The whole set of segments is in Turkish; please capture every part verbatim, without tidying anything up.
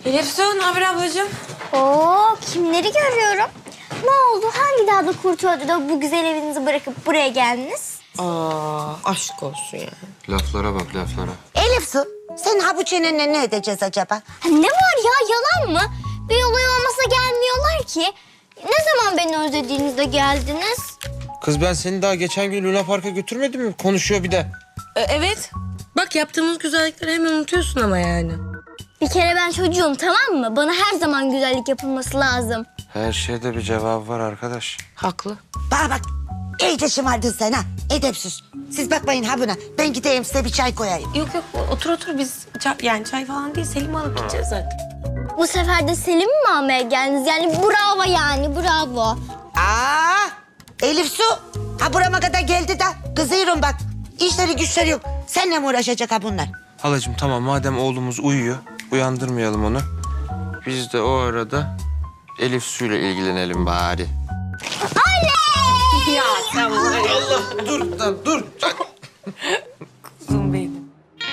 Elif Su, ne haber ablacığım? Oo, kimleri görüyorum? Ne oldu? Hangi dağda kurt öldü de bu güzel evinizi bırakıp buraya geldiniz? Aa, aşk olsun ya. Laflara bak laflara. Elif Su, sen ha bu çenenle ne edeceğiz acaba? Ha, ne var ya, yalan mı? Bir olay olmasa gelmiyorlar ki. Ne zaman beni özlediğinizde geldiniz? Kız ben seni daha geçen gün Luna Park'a götürmedim mi? Konuşuyor bir de. Ee, evet. Bak yaptığımız güzellikleri hemen unutuyorsun ama yani. Bir kere ben çocuğum, tamam mı? Bana her zaman güzellik yapılması lazım. Her şeyde bir cevap var arkadaş. Haklı. Bana bak, iyice şımardın sen ha. Edepsiz. Siz bakmayın ha buna. Ben gideyim size bir çay koyayım. Yok yok, otur otur biz çay, yani çay falan değil, Selim'i alıp gideceğiz zaten. Bu sefer de Selim'i mi almaya geldiniz? Yani bravo yani, bravo. Aa, Elif Su, ha burama kadar geldi de kızıyorum bak. İşleri güçleri yok. Seninle mi uğraşacak ha bunlar? Halacığım tamam madem oğlumuz uyuyor, uyandırmayalım onu. Biz de o arada Elif Su'yla ilgilenelim bari. Ya sen var ya. Dur lan dur. Kuzum benim.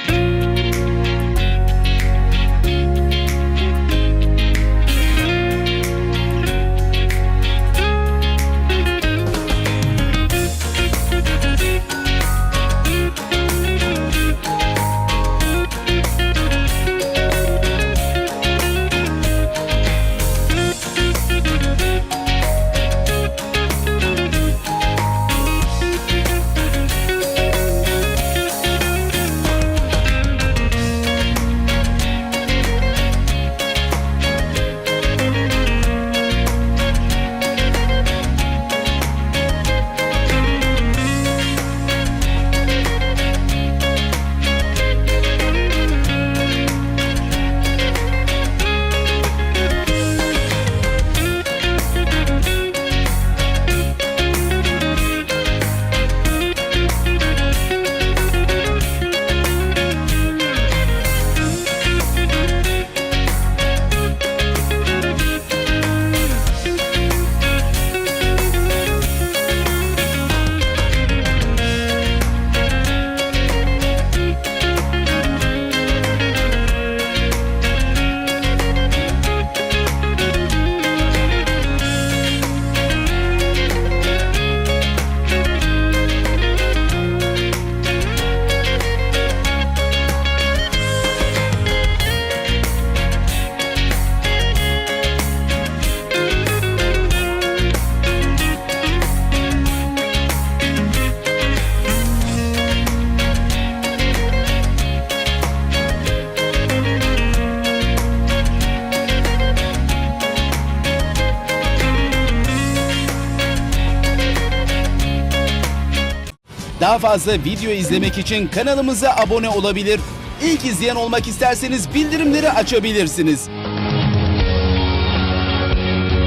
Daha fazla video izlemek için kanalımıza abone olabilir. İlk izleyen olmak isterseniz bildirimleri açabilirsiniz.